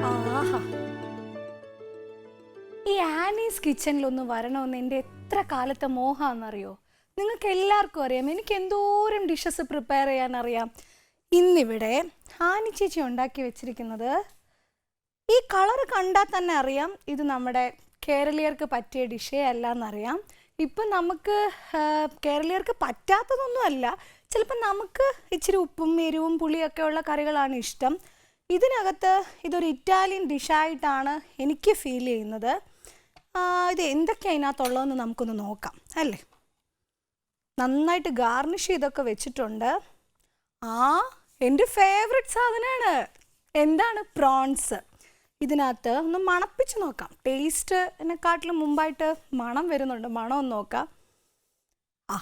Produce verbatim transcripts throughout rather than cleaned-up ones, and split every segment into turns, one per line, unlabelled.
ആഹാ, ഈ ആനീസ് കിച്ചണിലൊന്ന് വരണമെന്ന് എൻ്റെ എത്ര കാലത്തെ മോഹാന്നറിയോ? നിങ്ങൾക്ക് എല്ലാവർക്കും അറിയാം, എനിക്ക് എന്തോരം ഡിഷസ് പ്രിപ്പയർ ചെയ്യാൻ അറിയാം. ഇന്നിവിടെ ആനി ചേച്ചി ഉണ്ടാക്കി വെച്ചിരിക്കുന്നത്, ഈ കളർ കണ്ടാൽ തന്നെ അറിയാം ഇത് നമ്മുടെ കേരളീയർക്ക് പറ്റിയ ഡിഷേ അല്ല എന്നറിയാം. ഇപ്പം നമുക്ക് കേരളീയർക്ക് പറ്റാത്തതൊന്നും അല്ല, ചിലപ്പോൾ നമുക്ക് ഇച്ചിരി ഉപ്പും എരിവും പുളിയൊക്കെ ഉള്ള കറികളാണ് ഇഷ്ടം. ഇതിനകത്ത് ഇതൊരു ഇറ്റാലിയൻ ഡിഷായിട്ടാണ് എനിക്ക് ഫീൽ ചെയ്യുന്നത്. ഇത് എന്തൊക്കെയാണ് അതിനകത്തുള്ളതെന്ന് നമുക്കൊന്ന് നോക്കാം അല്ലേ. നന്നായിട്ട് ഗാർണിഷ് ചെയ്തൊക്കെ വെച്ചിട്ടുണ്ട്. ആ എൻ്റെ ഫേവറേറ്റ് സാധനമാണ്. എന്താണ്? പ്രോൺസ്. ഇതിനകത്ത് ഒന്ന് മണപ്പിച്ച് നോക്കാം. ടേസ്റ്റ് എന്നെക്കാട്ടിലും മുമ്പായിട്ട് മണം വരുന്നുണ്ട്. മണം ഒന്ന് നോക്കാം. ആ,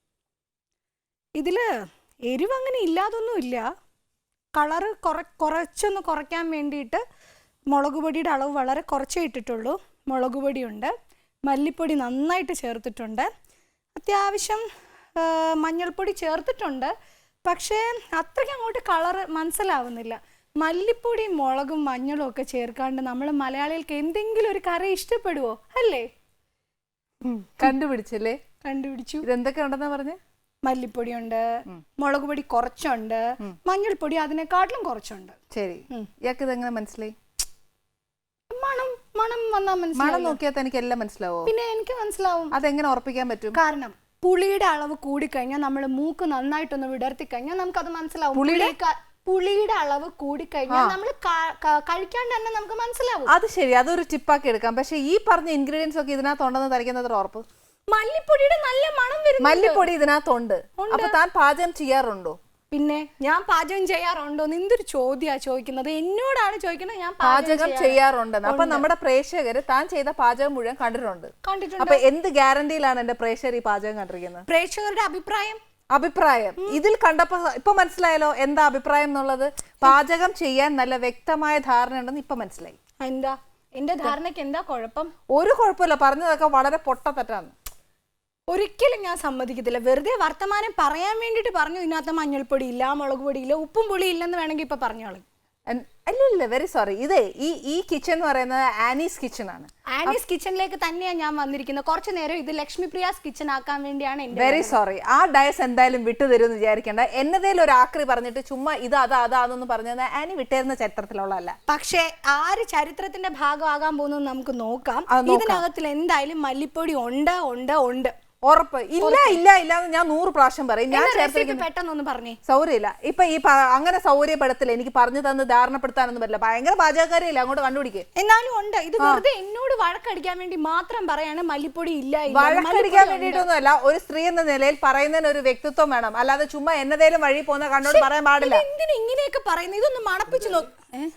ഇതിൽ എരിവ് അങ്ങനെ ഇല്ലാതൊന്നുമില്ല. കളറ് കുറ കുറച്ചൊന്ന് കുറയ്ക്കാൻ വേണ്ടിയിട്ട് മുളക് പൊടിയുടെ അളവ് വളരെ കുറച്ചേ ഇട്ടിട്ടുള്ളൂ. മുളക് പൊടിയുണ്ട്, മല്ലിപ്പൊടി നന്നായിട്ട് ചേർത്തിട്ടുണ്ട്, അത്യാവശ്യം മഞ്ഞൾപ്പൊടി ചേർത്തിട്ടുണ്ട്. പക്ഷേ അത്രയ്ക്ക് അങ്ങോട്ട് കളറ് മനസ്സിലാവുന്നില്ല. മല്ലിപ്പൊടിയും മുളകും മഞ്ഞളും ഒക്കെ ചേർക്കാണ്ട് നമ്മൾ മലയാളികൾക്ക് എന്തെങ്കിലും ഒരു കറി ഇഷ്ടപ്പെടുവോ? അല്ലേ?
കണ്ടുപിടിച്ചല്ലേ?
കണ്ടുപിടിച്ചു.
ഇതെന്തൊക്കെ ഉണ്ടെന്നാ പറഞ്ഞേ?
മല്ലിപ്പൊടിയുണ്ട്, മുളക് പൊടി കുറച്ചുണ്ട്, മഞ്ഞൾപ്പൊടി അതിനെക്കാട്ടിലും കുറച്ചുണ്ട്.
ശരി, ഇയാൾക്ക് ഇതെങ്ങനെ മനസ്സിലായി?
മണം മണം വന്നാൽ മനസ്സിലാവും.
മണം നോക്കിയാൽ എനിക്ക് എല്ലാം മനസ്സിലാവോ?
പിന്നെ എനിക്ക് മനസ്സിലാവും.
അതെങ്ങനെ ഉറപ്പിക്കാൻ പറ്റും?
കാരണം പുളിയുടെ അളവ് കൂടിക്കഴിഞ്ഞാൽ നമ്മൾ മൂക്ക് നന്നായിട്ടൊന്ന് വിടർത്തി കഴിഞ്ഞാൽ നമുക്കത് മനസ്സിലാവും. പുളിയുടെ അളവ് കൂടിക്കഴിഞ്ഞാൽ നമ്മൾ കഴിക്കാണ്ട് തന്നെ നമുക്ക് മനസ്സിലാവും.
അത് ശരി, അതൊരു ടിപ്പാക്കി എടുക്കാം. പക്ഷെ ഈ പറഞ്ഞ ഇൻഗ്രീഡിയൻസ് ഒക്കെ ഇതിനകത്ത് ഉണ്ടെന്ന് തനിക്കുന്നത് ഉറപ്പ്?
മല്ലിപ്പൊടിയുടെ നല്ല മണം വരും.
മല്ലിപ്പൊടി ഇതിനകത്തുണ്ട്. അപ്പൊ താൻ പാചകം ചെയ്യാറുണ്ടോ?
പിന്നെ ഞാൻ പാചകം ചെയ്യാറുണ്ടോ? എന്തൊരു ചോദ്യാ ചോദിക്കുന്നത്? എന്നോടാണ് ചോദിക്കുന്നത്. ഞാൻ
പാചകം ചെയ്യാറുണ്ടെന്ന്. അപ്പൊ നമ്മുടെ പ്രേക്ഷകര് താൻ ചെയ്ത പാചകം മുഴുവൻ കണ്ടിട്ടുണ്ട്.
കണ്ടിട്ടുണ്ട്.
അപ്പൊ എന്ത് ഗ്യാരണ്ടിയിലാണ് എന്റെ പ്രേക്ഷകർ ഈ പാചകം കണ്ടിരിക്കുന്നത്?
പ്രേക്ഷകരുടെ അഭിപ്രായം.
അഭിപ്രായം ഇതിൽ കണ്ടപ്പോ ഇപ്പൊ മനസ്സിലായല്ലോ എന്താ അഭിപ്രായം എന്നുള്ളത്. പാചകം ചെയ്യാൻ നല്ല വ്യക്തമായ ധാരണ ഉണ്ടെന്ന് ഇപ്പൊ മനസ്സിലായി.
എന്താ എന്റെ ധാരണയ്ക്ക് എന്താ കുഴപ്പം?
ഒരു കുഴപ്പമില്ല, പറഞ്ഞതൊക്കെ വളരെ പൊട്ടത്തെറ്റാണ്.
ഒരിക്കലും ഞാൻ സമ്മതിക്കത്തില്ല. വെറുതെ വർത്തമാനം പറയാൻ വേണ്ടിട്ട് പറഞ്ഞു ഇതിനകത്ത് മഞ്ഞൾപ്പൊടി ഇല്ല, മുളക് പൊടി ഇല്ല, ഉപ്പും പുളി ഇല്ലെന്ന് വേണമെങ്കിൽ ഇപ്പൊ പറഞ്ഞോളൂ.
അല്ല ഇല്ല, വെരി സോറി. ഇതേ ഈ ഈ കിച്ചൺ എന്ന് പറയുന്നത് ആനീസ് കിച്ചൺ ആണ്.
ആനീസ് കിച്ചണിലേക്ക് തന്നെയാണ് ഞാൻ വന്നിരിക്കുന്നത്. കുറച്ചു നേരം ഇത് ലക്ഷ്മി പ്രിയാസ് കിച്ചൺ ആക്കാൻ വേണ്ടിയാണ്.
Very sorry. ആ ഡയസ് എന്തായാലും വിട്ടുതരുമെന്ന് വിചാരിക്കേണ്ട. എന്നതേലും ഒരു ആക്രി പറഞ്ഞിട്ട് ചുമ്മാ ഇത് അതാ അതാന്നൊന്നും പറഞ്ഞത് ആനി വിട്ടേരുന്ന ചരിത്രത്തിലുള്ളതല്ല.
പക്ഷേ ആര് ചരിത്രത്തിന്റെ ഭാഗമാകാൻ പോകുന്നത് നമുക്ക് നോക്കാം. ഇതിനകത്തിൽ എന്തായാലും മല്ലിപ്പൊടി ഉണ്ട് ഉണ്ട് ഉണ്ട്
ഉറപ്പ്. ഇല്ല ഇല്ല ഇല്ല എന്ന് ഞാൻ നൂറ് പ്രാവശ്യം പറയും. ഞാൻ
പെട്ടെന്നൊന്ന് പറഞ്ഞേ.
സൗകര്യമില്ല. ഇപ്പൊ ഈ അങ്ങനെ സൗകര്യപ്പെടത്തില്ല. എനിക്ക് പറഞ്ഞു തന്ന് ധാരണപ്പെടുത്താനൊന്നും പറ്റില്ല. ഭയങ്കര പാചകക്കാരില്ല, അങ്ങോട്ട് കണ്ടുപിടിക്കുക.
എന്നാലും ഉണ്ട്. ഇത് വെറുതെ എന്നോട് വഴക്കടിക്കാൻ വേണ്ടി മാത്രം പറയാണ് മല്ലിപ്പൊടി ഇല്ല.
വഴക്കടിക്കാൻ വേണ്ടിയിട്ടൊന്നും അല്ല. ഒരു സ്ത്രീ എന്ന നിലയിൽ പറയുന്നതിന് ഒരു വ്യക്തിത്വം വേണം. അല്ലാതെ ചുമ്മാ എന്നതേലും വഴി പോകുന്ന കണ്ടോട് പറയാൻ പാടില്ല.
എന്തിനാ ഇങ്ങനെയൊക്കെ പറയുന്നത്? ഇതൊന്ന് മണപ്പിച്ചു നോക്ക്.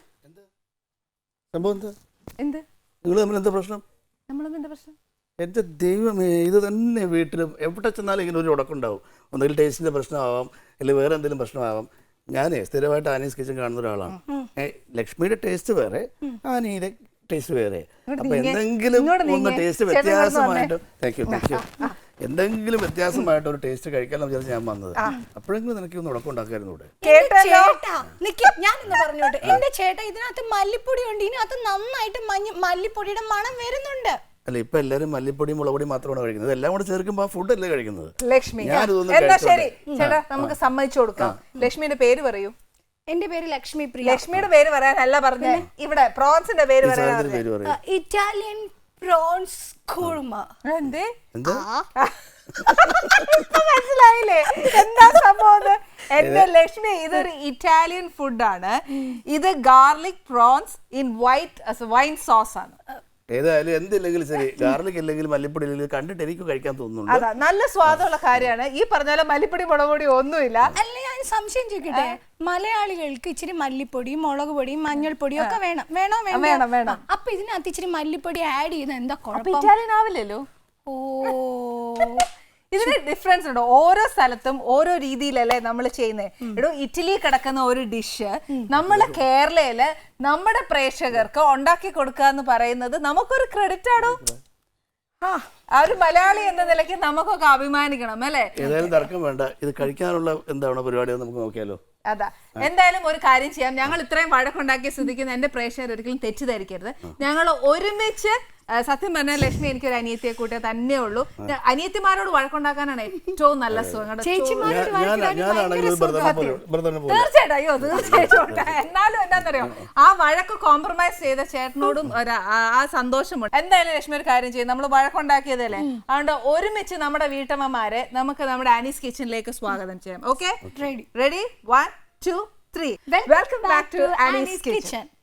എന്ത്
എന്താ പ്രശ്നം?
നമ്മളെന്താ പ്രശ്നം?
എൻ്റെ ദൈവമേ, ഇത് തന്നെ വീട്ടിലും എവിടെ ചെന്നാലും ഇങ്ങനെ ഒരു ഉടക്കുണ്ടാവും. ഒന്നുകിൽ ടേസ്റ്റിൻ്റെ പ്രശ്നമാവാം, അല്ലെങ്കിൽ വേറെ എന്തെങ്കിലും പ്രശ്നമാവാം. ഞാനേ സ്ഥിരമായിട്ട് ആനീസ് കിച്ചൺ കാണുന്ന ഒരാളാണ്. ലക്ഷ്മിയുടെ ടേസ്റ്റ് വേറെ, ആനിയുടെ ടേസ്റ്റ് വേറെ. അപ്പൊ എന്തെങ്കിലും ഒന്ന് ടേസ്റ്റ് വ്യത്യാസമായിട്ട് താങ്ക് യു താങ്ക് യു എന്തെങ്കിലും വ്യത്യാസമായിട്ട് ഒരു ടേസ്റ്റ് കഴിക്കാമെന്ന് വിചാരിച്ച് ഞാൻ വന്നത്. അപ്പോഴെങ്കിലും നിനക്ക് ഒന്ന് ഉടക്കുണ്ടാക്കായിരുന്നു ഇവിടെ.
ഞാനിന്ന് പറഞ്ഞോട്ടെ, എന്റെ ചേട്ടാ ഇതിനകത്ത് മല്ലിപ്പൊടി ഉണ്ട്. ഇതിനകത്ത് നന്നായിട്ട് മല്ലിപ്പൊടിയുടെ മണം വരുന്നുണ്ട്.
അല്ല, ഇപ്പൊ എല്ലാരും മല്ലിപ്പൊടി മുളകുപൊടി മാത്രമാണ് കഴിക്കുന്നത്. എല്ലാം കൂടെ ചേർക്കുമ്പോ ആ ഫുഡ് അല്ലേ കഴിക്കുന്നത്.
ലക്ഷ്മി ശരി ചേട്ടാ, നമുക്ക് സമ്മതിച്ചു കൊടുക്കാം. ലക്ഷ്മിയുടെ പേര് പറയൂ.
എന്റെ പേര് ലക്ഷ്മി പ്രിയ.
ലക്ഷ്മിയുടെ പേര് പറയാനല്ല പറഞ്ഞേ, ഇവിടെ പ്രോൺസിന്റെ പേര് പറയാൻ.
Italian prawns korma.
എന്തേ മനസ്സിലായില്ലേ എന്താ സംഭവം? എന്റെ ലക്ഷ്മി, ഇതൊരു ഇറ്റാലിയൻ ഫുഡാണ്. ഇത് garlic prawns in white wine sauce ആണ്.
ഏതായാലും എന്തില്ലെങ്കിലും ശരി, ഗാർലിക് ഇല്ലെങ്കിൽ മല്ലിപ്പൊടി ഇല്ലെങ്കിൽ കണ്ടിട്ട് എനിക്ക് കഴിക്കാൻ തോന്നുന്നു.
അതാ നല്ല സ്വാദുള്ള കാര്യമാണ്. ഈ പറഞ്ഞ പോലെ മല്ലിപ്പൊടി മുളക് പൊടി ഒന്നുമില്ല.
അല്ല, ഞാൻ സംശയം ചോദിക്കട്ടെ, മലയാളികൾക്ക് ഇച്ചിരി മല്ലിപ്പൊടി മുളക് പൊടി മഞ്ഞൾപ്പൊടിയും ഒക്കെ വേണം വേണോ
വേണം വേണം.
അപ്പൊ ഇതിനകത്ത് ഇച്ചിരി മല്ലിപ്പൊടി ആഡ് ചെയ്ത് എന്താ കുഴപ്പം?
ഇറ്റാലിയൻ ആവില്ലല്ലോ.
ഓ,
ഇതിന് ഡിഫറൻസ് ഉണ്ട്. ഓരോ സ്ഥലത്തും ഓരോ രീതിയിലല്ലേ നമ്മൾ ചെയ്യുന്നത്. എടോ, ഇറ്റലി കിടക്കുന്ന ഒരു ഡിഷ് നമ്മള് കേരളയില് നമ്മുടെ പ്രേക്ഷകർക്ക് ഉണ്ടാക്കി കൊടുക്കുക എന്ന് പറയുന്നത് നമുക്കൊരു ക്രെഡിറ്റ് ആണോ? ആ ഒരു മലയാളി എന്ന നിലയ്ക്ക് നമുക്കൊക്കെ അഭിമാനിക്കണം അല്ലേ?
ഏതായാലും തർക്കം വേണ്ട. ഇത് കഴിക്കാനുള്ള എന്താണ് പരിപാടി നമുക്ക് നോക്കിയാലോ?
അതാ എന്തായാലും ഒരു കാര്യം ചെയ്യാം. ഞങ്ങൾ ഇത്രയും വഴക്കുണ്ടാക്കിയ സ്ഥിതിക്ക് എന്റെ പ്രേക്ഷകർ ഒരിക്കലും തെറ്റിദ്ധരിക്കരുത്. ഞങ്ങൾ ഒരുമിച്ച് സത്യം പറഞ്ഞാൽ ലക്ഷ്മി എനിക്ക് ഒരു അനിയത്തിയെ കൂട്ടിയ തന്നെ ഉള്ളൂ. അനിയത്തിമാരോട് വഴക്കുണ്ടാക്കാനാണ് ഏറ്റവും നല്ല സുഖം. തീർച്ചയായിട്ടും അയ്യോ തീർച്ചയായിട്ടും. എന്നാലും എന്താണെന്നറിയോ, ആ വഴക്ക് കോംപ്രമൈസ് ചെയ്ത ചേട്ടനോടും ആ സന്തോഷമുണ്ട്. എന്തായാലും ലക്ഷ്മി ഒരു കാര്യം ചെയ്യും, നമ്മൾ വഴക്കുണ്ടാക്കിയതല്ലേ, അതുകൊണ്ട് ഒരുമിച്ച് നമ്മുടെ വീട്ടമ്മമാരെ നമുക്ക് നമ്മുടെ ആനീസ് കിച്ചണിലേക്ക് സ്വാഗതം ചെയ്യാം. Okay, ready? Ready? One two three. Welcome back to Annie's kitchen.